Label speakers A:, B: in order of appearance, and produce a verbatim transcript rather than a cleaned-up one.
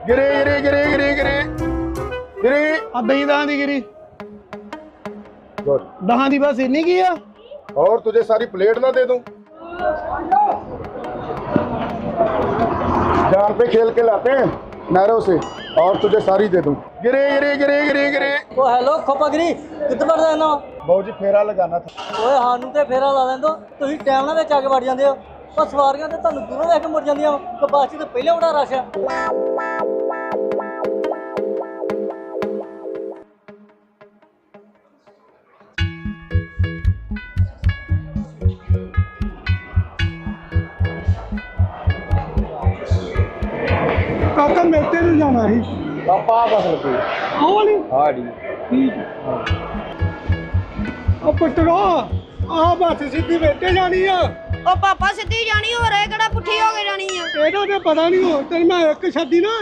A: गिरे गिरे गिरे गिरे गिरे गिरे
B: ਆ ਦਹੀਂ ਦਹਾਂ ਦੀ ਗਿਰੀ
A: गुड।
B: ਦਹਾਂ ਦੀ ਬਸ ਇੰਨੀ ਕੀ ਆ
A: और तुझे सारी प्लेट ना दे दूं? जान पे खेल के लाते हैं नहरों से, और तुझे सारी दे दूं। गिरे गिरे गिरे गिरे गिरे
C: ਉਹ ਹੈਲੋ ਖੋਪਾਗਰੀ ਕਿੱਥੇ ਵੜਦਾ ਇਹਨਾਂ
A: बाबू जी फेरा लगाना था।
C: ਓਏ ਸਾਨੂੰ ਤੇ ਫੇਰਾ ਲਾ ਲੈਂਦੋ ਤੁਸੀਂ ਟਾਈਮ ਨਾਲ ਵਿੱਚ ਆ ਕੇ ਵੜ ਜਾਂਦੇ ਹੋ ਪਰ ਸਵਾਰੀਆਂ ਤੇ ਤੁਹਾਨੂੰ ਦੂਰੋਂ ਦੇਖ ਕੇ ਮੁੜ ਜਾਂਦੀਆਂ ਤੇ ਬੱਸ 'ਚ ਤੇ ਪਹਿਲਾਂ ਬੜਾ ਰਸ਼ ਆ
B: ਕਾਕਾ ਮੇਤੇ ਨੂੰ ਜਾਣਾ ਸੀ
A: पापा बस लगी।
B: ਆਹ ਵਾਲੀ
A: हाँ जी।
B: ਠੀਕ ਉਹ ਪੁੱਤਰੋ ਆ ਬੱਸ ਸਿੱਧੀ ਮੇਤੇ ਜਾਣੀ ਆ
D: ਉਹ ਪਾਪਾ ਸਿੱਧੀ ਜਾਣੀ ਹੋਰ ਇਹ ਕਿਹੜਾ ਪੁੱਠੀ ਹੋ ਕੇ ਜਾਣੀ ਆ
B: ਇਹਦਾ ਤੇ ਪਤਾ ਨਹੀਂ ਹੋ ਤੈਨੂੰ ਮੈਂ ਇੱਕ ਛੱਡੀ ਨਾ